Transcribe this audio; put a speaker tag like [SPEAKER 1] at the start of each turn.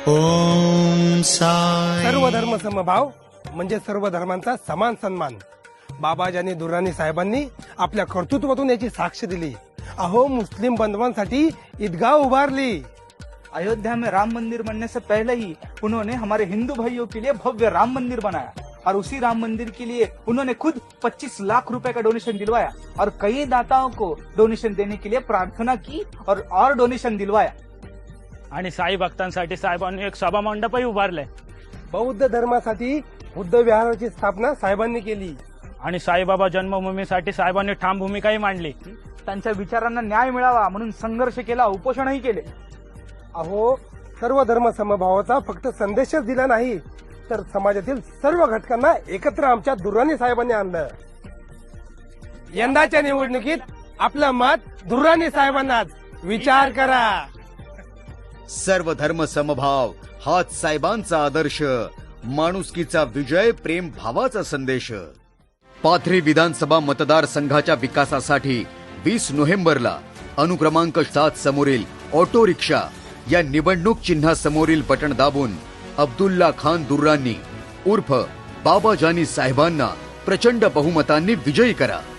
[SPEAKER 1] ओम साई.
[SPEAKER 2] सर्व धर्म समभाव म्हणजे सर्व धर्मांचा समान सन्मान. बाबाजानी दुर्राणी साहेबांनी आपल्या कर्तृत्वातून याची साक्ष दिली. अहो, मुस्लिम बांधवांसाठी ईदगाह उभारली.
[SPEAKER 3] अयोध्या में राम मंदिर बनने से पहले ही उन्होंने हमारे हिंदू भाइयों के लिए भव्य राम मंदिर बनाया और उसी राम मंदिर के लिए उन्होंने खुद 25 लाख रुपए का डोनेशन दिलवाया और कई दाताओं को डोनेशन देने के लिए प्रार्थना की और डोनेशन दिलवाया.
[SPEAKER 4] आणि साई भक्तांसाठी साहेबांनी एक सभा मंडपही उभारले.
[SPEAKER 2] बौद्ध धर्मासाठी बुद्ध विहाराची स्थापना साहेबांनी केली.
[SPEAKER 4] आणि साईबाबा जन्मभूमीसाठी साहेबांनी ठाम भूमिकाही मांडली.
[SPEAKER 3] त्यांच्या विचारांना न्याय मिळावा म्हणून संघर्ष केला, उपोषणही केले.
[SPEAKER 2] अहो, सर्व धर्म समभावाचा फक्त संदेशच दिला नाही, तर समाजातील सर्व घटकांना एकत्र आमच्या दुर्राणी साहेबांनी आणलं. यंदाच्या निवडणुकीत आपलं मत दुर्राणी साहेबांनाच. विचार करा.
[SPEAKER 5] सर्व धर्म समभाव हाच साहेबांचा आदर्श, माणुसकीचा विजय, प्रेम भावाचा संदेश. पाथरी विधानसभा मतदारसंघाच्या विकासासाठी 20 नोव्हेंबरला अनुक्रमांक 7 समोरील ऑटो रिक्षा या निवडणूक चिन्हासमोरील बटण दाबून अब्दुल्ला खान दुर्राणी उर्फ बाबाजानी साहेबांना प्रचंड बहुमतांनी विजयी करा.